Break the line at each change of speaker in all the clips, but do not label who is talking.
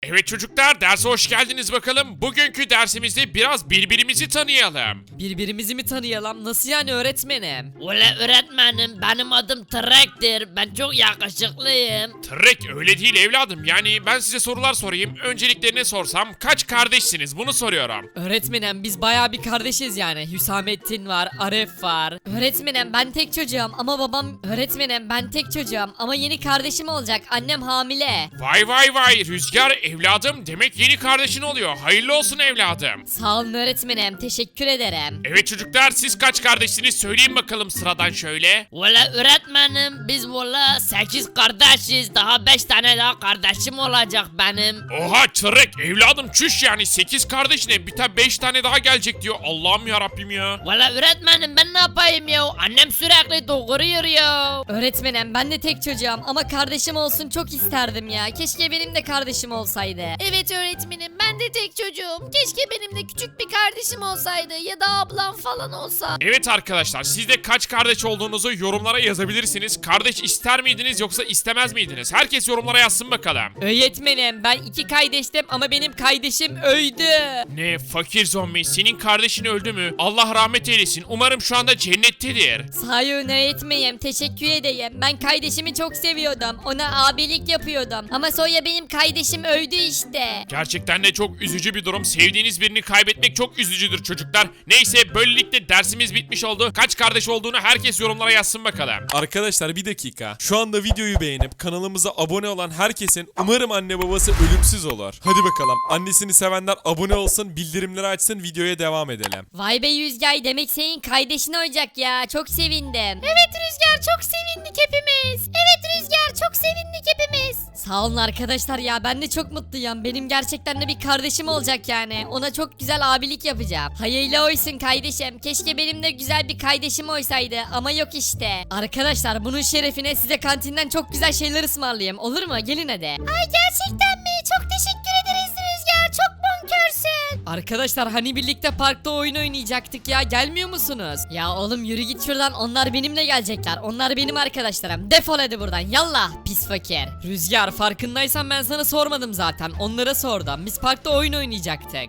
Evet çocuklar, derse hoş geldiniz bakalım. Bugünkü dersimizde biraz birbirimizi tanıyalım.
Birbirimizi mi tanıyalım? Nasıl yani öğretmenim?
Ula öğretmenim benim adım Trek'tir. Ben çok yakışıklıyım.
Trek öyle değil evladım. Yani ben size sorular sorayım. Önceliklerini sorsam kaç kardeşsiniz bunu soruyorum.
Öğretmenim biz bayağı bir kardeşiz yani. Hüsamettin var, Aref var. Öğretmenim ben tek çocuğum ama babam... Öğretmenim ben tek çocuğum ama yeni kardeşim olacak. Annem hamile.
Vay vay vay Rüzgar evladım, demek yeni kardeşin oluyor. Hayırlı olsun evladım.
Sağ olun öğretmenim. Teşekkür ederim.
Evet çocuklar, siz kaç kardeşsiniz söyleyin bakalım sıradan şöyle.
Ula öğretmenim biz valla 8 kardeşiz. Daha 5 tane daha kardeşim olacak benim.
Oha Trek evladım, çüş yani 8 kardeşine bir tane 5 tane daha gelecek diyor. Allah'ım ya Rabbim ya.
Valla öğretmenim ben ne yapayım ya? Annem sürekli doğuruyor ya.
Öğretmenim ben de tek çocuğum ama kardeşim olsun çok isterdim ya. Keşke benim de kardeşim olsaydı.
Evet öğretmenim ben de tek çocuğum. Keşke benim de küçük bir kardeşim olsaydı ya da ablam falan olsa.
Evet arkadaşlar, siz de kaç kardeş olduğunuzu yorumlara yazabilirsiniz. Kardeş ister miydiniz yoksa istemez miydiniz? Herkes yorumlara yazsın bakalım.
Öğretmenim ben 2 kardeştim ama benim kardeşim öldü.
Ne fakir zombi, senin kardeşin öldü mü? Allah rahmet eylesin. Umarım şu anda cennettedir.
Sağ olun öğretmenim teşekkür ederim. Ben kardeşimi çok seviyordum. Ona abilik yapıyordum. Ama sonra benim kardeşim öldü işte.
Gerçekten de çok üzücü bir durum. Sevdiğiniz birini kaybetmek çok üzücüdür çocuklar. Neyse, böylelikle dersimiz bitmiş oldu. Kaç kardeş olduğunu herkes yorumlara yazsın bakalım.
Arkadaşlar bir dakika. Şu anda videoyu beğenip kanalımıza abone olan herkesin umarım anne babası ölümsüz olur. Hadi bakalım. Annesini sevenler abone olsun, bildirimleri açsın, videoya devam edelim.
Vay be Yüzgay demek senin kardeşin olacak ya. Çok sevindim.
Evet Rüzgar çok sevindik hepimiz. Evet Rüzgar çok sevindik hepimiz.
Sağ olun arkadaşlar ya ben de çok mutluyum. Benim gerçekten de bir kardeşim olacak yani. Ona çok güzel abilik yapacağım. Hayırlı olsun kardeşim. Keşke benim de güzel bir kardeşim olsaydı ama yok işte. Arkadaşlar bunun şerefine size kantinden çok güzel şeyler ısmarlayayım. Olur mu? Gelin hadi.
Ay gerçekten mi? Çok teşekkür ederiz Rüzgar. Çok bonkörsün.
Arkadaşlar hani birlikte parkta oyun oynayacaktık ya. Gelmiyor musunuz? Ya oğlum yürü git şuradan. Onlar benimle gelecekler. Onlar benim arkadaşlarım. Defol hadi buradan. Yallah pis fakir. Rüzgar farkındaysan ben sana sormadım zaten. Onlara sordum. Biz parkta oyun oynayacaktık.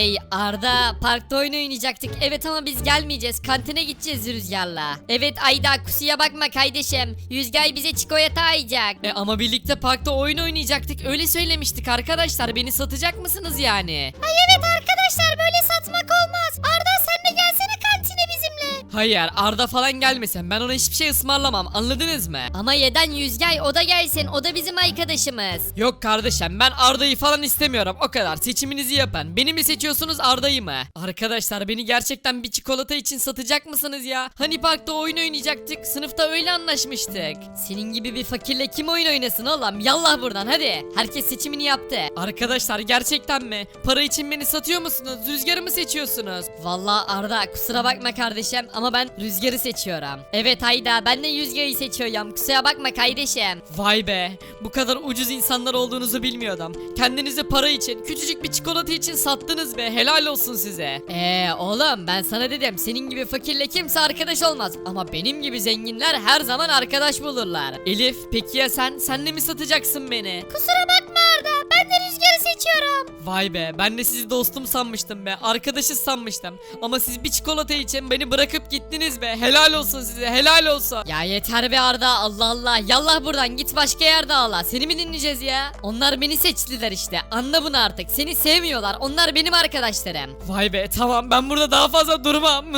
Arda parkta oyun oynayacaktık. Evet ama biz gelmeyeceğiz. Kantine gideceğiz Rüzgar'la. Evet Ayda kusuya bakma kardeşim. Rüzgar bize çikolata ayacak. Ama birlikte parkta oyun oynayacaktık. Öyle söylemiştik arkadaşlar. Beni satacak mısınız yani?
Ay evet arkadaşlar böyle satmak olmaz. Arda sen de gelsene kantine bizimle.
Hayır Arda falan gelmesin. Ben ona hiçbir şey ısmarlamam. Anladınız mı?
Ama yeden Yüzgay o da gelsin. O da bizim arkadaşımız.
Yok kardeşim ben Arda'yı falan istemiyorum. O kadar. Seçiminizi yapın. Beni mi seçiyorsunuz Arda'yı mı? Arkadaşlar beni gerçekten bir çikolata için satacak mısınız ya? Hani parkta oyun oynayacaktık. Sınıfta öyle anlaşmıştık. Senin gibi bir fakirle kim oyun oynasın oğlum? Yallah buradan hadi. Herkes seçimini yaptı. Arkadaşlar gerçekten mi? Para için beni satıyor musunuz? Rüzgarı mı seçiyorsunuz? Vallahi Arda kusura bakma kardeşim ama ben Rüzgar'ı seçiyorum. Evet Ayda ben de Rüzgar'ı seçiyorum. Kusura bakma kardeşim. Vay be. Bu kadar ucuz insanlar olduğunuzu bilmiyordum. Kendinizi para için, küçücük bir çikolata için sattınız be. Helal olsun size. Oğlum ben sana dedim. Senin gibi fakirle kimse arkadaş olmaz. Ama benim gibi zenginler her zaman arkadaş bulurlar. Elif peki ya sen? Sen de mi satacaksın beni?
Kusura bakma Arda. Ben de Rüzgar'ı seçiyorum.
Vay be ben de sizi dostum sanmıştım be. Arkadaşız sanmıştım. Ama siz bir çikolata için beni bırakıp gittiniz be. Helal olsun size helal olsun. Ya yeter be Arda Allah Allah. Yallah buradan git başka yerde ağla. Seni mi dinleyeceğiz ya? Onlar beni seçtiler işte. Anla bunu artık. Seni sevmiyorlar. Onlar benim arkadaşlarım. Vay be tamam ben burada daha fazla durmam.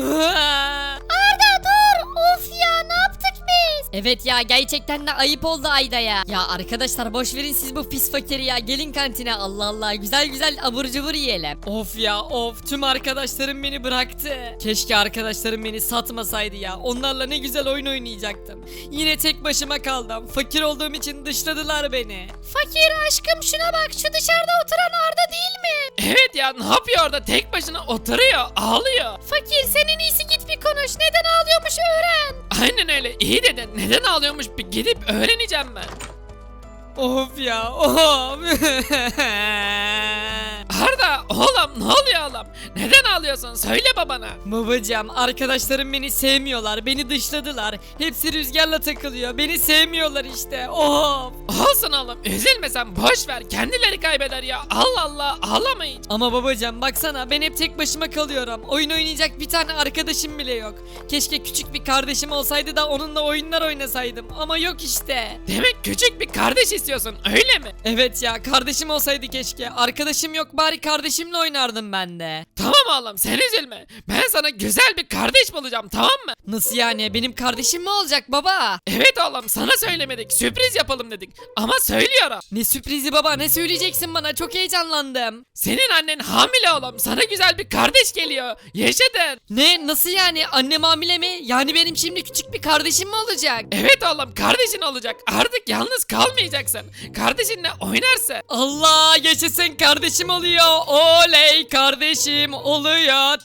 Arda dur. Of ya ne yaptık biz?
Evet ya gerçekten de ayıp oldu Ayda'ya. Ya arkadaşlar boş verin siz bu pis fakiri ya. Gelin kantine Allah Allah güzel güzel abur cubur yiyelim. Of ya of tüm arkadaşlarım beni bıraktı. Keşke arkadaşlarım beni satmasaydı ya. Onlarla ne güzel oyun oynayacaktım. Yine tek başıma kaldım. Fakir olduğum için dışladılar beni.
Fakir aşkım şuna bak. Şu dışarıda oturan Arda değil mi?
Evet ya ne yapıyor orada tek başına oturuyor ağlıyor.
Fakir sen en iyisi git bir konuş. Neden ağlıyormuş öğren.
Aynen öyle iyi dedin neden ağlıyormuş bir gidip öğreneceğim ben.
Of ya of.
Arda Oğlum ne oluyor oğlum? Neden ağlıyorsun? Söyle babana.
Babacığım arkadaşlarım beni sevmiyorlar. Beni dışladılar. Hepsi Rüzgar'la takılıyor. Beni sevmiyorlar işte. Of.
Olsun oğlum üzülme sen boş ver. Kendileri kaybeder ya. Allah Allah ağlama hiç.
Ama babacığım baksana ben hep tek başıma kalıyorum. Oyun oynayacak bir tane arkadaşım bile yok. Keşke küçük bir kardeşim olsaydı da onunla oyunlar oynasaydım. Ama yok işte.
Demek küçük bir kardeş istiyorsun öyle mi?
Evet ya kardeşim olsaydı keşke. Arkadaşım yok bari kardeşimle oynardım ben de.
Tamam oğlum sen üzülme. Ben sana güzel bir kardeş bulacağım tamam mı?
Nasıl yani benim kardeşim mi olacak baba?
Evet oğlum sana söylemedik. Sürpriz yapalım dedik. Ama söylüyorum.
Ne sürprizi baba ne söyleyeceksin bana çok heyecanlandım.
Senin annen hamile oğlum. Sana güzel bir kardeş geliyor. Yaşadın.
Ne nasıl yani annem hamile mi? Yani benim şimdi küçük bir kardeşim mi olacak?
Evet oğlum kardeşin olacak. Artık yalnız kalmayacaksın. Kardeşinle oynarsın.
Allah yaşasın kardeşim oluyor. Oley kardeşim oluyor.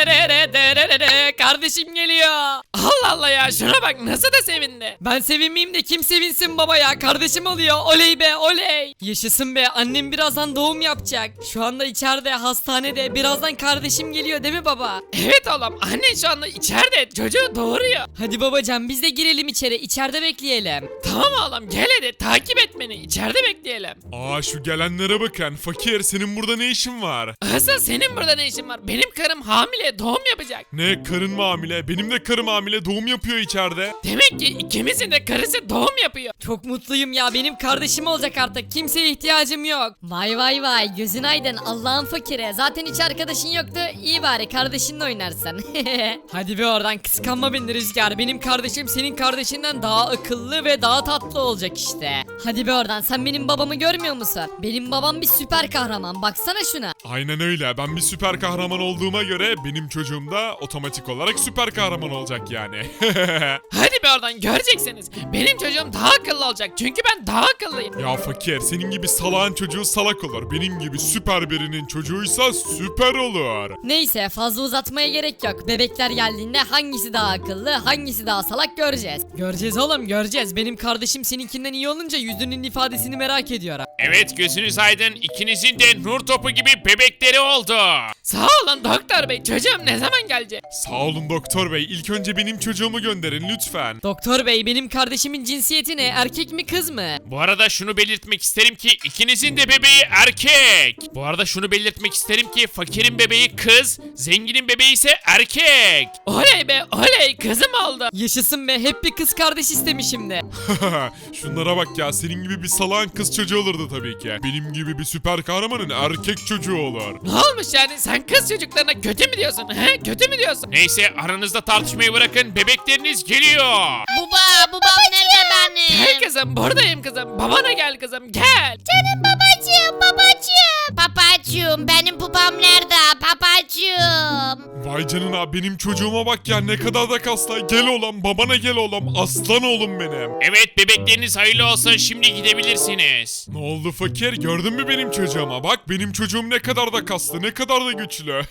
Tettererere kardeşim geliyor.
Allah Allah ya şuna bak nasıl da sevindi.
Ben sevinmeyeyim de kim sevinsin baba ya kardeşim oluyor. Oley be oley. Yaşasın be annem birazdan doğum yapacak. Şu anda içeride hastanede birazdan kardeşim geliyor değil mi baba?
Evet oğlum annen şu anda içeride çocuğu doğuruyor.
Hadi babacan biz de girelim içeride bekleyelim.
Tamam oğlum gel hadi takip et beni. İçeride bekleyelim.
Aa şu gelenlere bakın. Fakir senin burada ne işin var?
Asıl senin burada ne işin var? Benim karım hamile doğum yapacak.
Ne karın mı hamile? Benim de karım hamile doğum yapıyor içeride.
Demek ki ikimizin de karısı doğum yapıyor.
Çok mutluyum ya benim kardeşim olacak artık kimseye ihtiyacım yok. Vay vay vay gözün aydın Allah'ın fakire zaten hiç arkadaşın yoktu iyi bari kardeşinle oynarsın. Hadi be oradan kıskanma beni Rüzgar benim kardeşim senin kardeşinden daha akıllı ve daha tatlı olacak işte. Hadi be oradan sen benim babamı görmüyor musun? Benim babam bir süper kahraman baksana şuna.
Aynen öyle. Ben bir süper kahraman olduğuma göre benim çocuğum da otomatik olarak süper kahraman olacak yani.
Hadi be oradan göreceksiniz. Benim çocuğum daha akıllı olacak. Çünkü ben daha akıllıyım.
Ya fakir senin gibi salağın çocuğu salak olur. Benim gibi süper birinin çocuğuysa süper olur.
Neyse fazla uzatmaya gerek yok. Bebekler geldiğinde hangisi daha akıllı, hangisi daha salak göreceğiz. Göreceğiz oğlum göreceğiz. Benim kardeşim seninkinden iyi olunca yüzünün ifadesini merak ediyorum.
Evet gözünüz aydın, ikinizin de nur topu gibi bebekleri oldu.
Sağ olun doktor bey. Çocuğum ne zaman gelecek?
Sağ olun doktor bey. İlk önce benim çocuğumu gönderin lütfen.
Doktor bey benim kardeşimin cinsiyeti ne? Erkek mi kız mı?
Bu arada şunu belirtmek isterim ki ikinizin de bebeği erkek. Bu arada şunu belirtmek isterim ki fakirin bebeği kız, zenginin bebeği ise erkek.
Oley be oley kızım oldu.
Yaşasın be hep bir kız kardeş istemişim de.
Şunlara bak ya. Senin gibi bir salağın kız çocuğu olurdu tabii ki. Benim gibi bir süper kahramanın erkek çocuğu olur.
Ne olmuş yani sen kız çocuklarına kötü mü diyorsun he? Kötü mü diyorsun?
Neyse aranızda tartışmayı bırakın, bebekleriniz geliyor.
Babam nerede benim? Gel kızım buradayım kızım. Babana gel kızım gel.
Canım babacığım.
Babacığım benim babam nerede? Babacığım.
Vay canına benim çocuğuma bak ya ne kadar da kaslı. Gel oğlum babana gel oğlum. Aslan oğlum benim.
Evet bebekleriniz hayırlı olsun, şimdi gidebilirsiniz.
Ne oldu fakir? Gördün mü benim çocuğuma? Bak benim çocuğum ne kadar da kaslı, ne kadar da güçlü.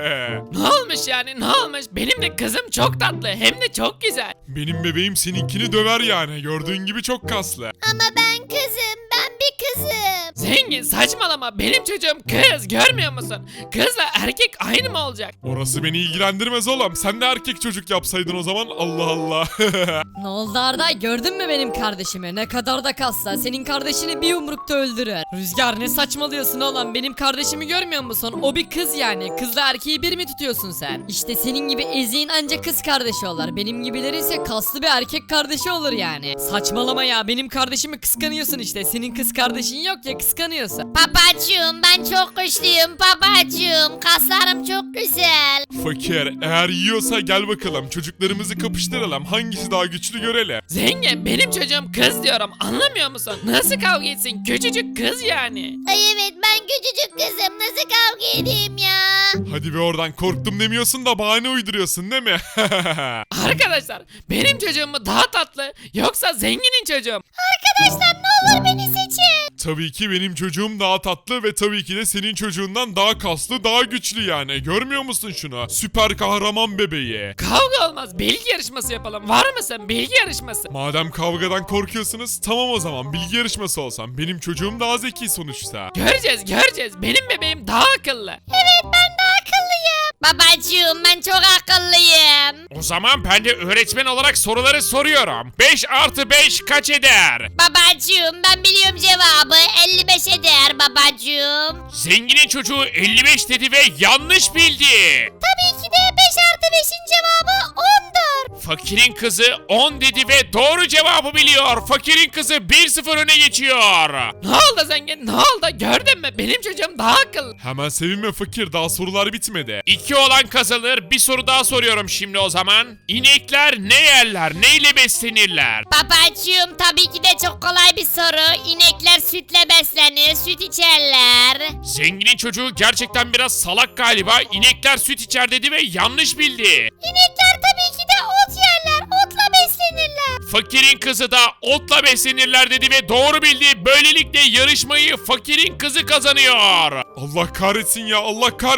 Ne olmuş yani ne olmuş? Benim de kızım çok tatlı hem de çok güzel.
Benim bebeğim seninkini döver yani. Gördüğün gibi çok kaslı.
Ama ben kızım. Ben bir kızım.
Zengin saçmalama benim çocuğum kız görmüyor musun? Kızla erkek aynı mı olacak?
Orası beni ilgilendirmez oğlum. Sen de erkek çocuk yapsaydın o zaman. Allah Allah.
Ne oldu Arda gördün mü benim kardeşimi? Ne kadar da kasla senin kardeşini bir yumrukta öldürür. Rüzgar ne saçmalıyorsun oğlum benim kardeşimi görmüyor musun? O bir kız yani. Kızla erkeği bir mi tutuyorsun sen? İşte senin gibi eziğin anca kız kardeşi olur. Benim gibilerin ise kaslı bir erkek kardeşi olur yani. Saçmalama ya benim kardeşimi kıskanıyorsun işte. Senin kız kardeşin yok ya kıskanıyorsun.
Babacığım ben çok güçlüyüm babacığım. Kaslarım çok güzel.
Fakir eğer yiyorsa gel bakalım. Çocuklarımızı kapıştıralım. Hangisi daha güçlü görelim.
Zengin benim çocuğum kız diyorum anlamıyor musun? Nasıl kavga etsin küçücük kız yani.
Ay evet ben küçücük kızım. Nasıl kavga edeyim ya?
Hadi be oradan korktum demiyorsun da bahane uyduruyorsun değil mi?
Arkadaşlar benim çocuğum mu daha tatlı yoksa zenginin çocuğum?
Arkadaşlar ne olur beni seçin.
Tabii ki benim çocuğum daha tatlı ve tabii ki de senin çocuğundan daha kaslı, daha güçlü yani. Görmüyor musun şunu? Süper kahraman bebeği.
Kavga olmaz bilgi yarışması yapalım var mısın bilgi yarışması?
Madem kavgadan korkuyorsunuz tamam o zaman bilgi yarışması olsam. Benim çocuğum daha zeki sonuçta.
Göreceğiz benim bebeğim daha akıllı.
Evet
Babacığım ben çok akıllıyım.
O zaman ben de öğretmen olarak soruları soruyorum. 5 artı 5 kaç eder?
Babacığım ben biliyorum cevabı 55 eder babacığım.
Zenginin çocuğu 55 dedi ve yanlış bildi.
Tabii ki de 5 artı 5'in cevabı 10'dur.
Fakirin kızı 10 dedi ve doğru cevabı biliyor. Fakirin kızı 1-0 öne geçiyor.
Ne oldu zengin ne oldu gördün mü benim çocuğum daha akıllı.
Hemen sevinme fakir, daha sorular bitmedi.
2 olan kazanır. Bir soru daha soruyorum şimdi o zaman. İnekler ne yerler? Neyle beslenirler?
Babacığım tabii ki de çok kolay bir soru. İnekler sütle beslenir, süt içerler.
Zenginin çocuğu gerçekten biraz salak galiba. İnekler süt içer dedi ve yanlış bildi.
İnekler tabii ki de ot yerler. Otla beslenirler.
Fakirin kızı da otla beslenirler dedi ve doğru bildi. Böylelikle yarışmayı fakirin kızı kazanıyor.
Allah kahretsin ya, Allah kahretsin.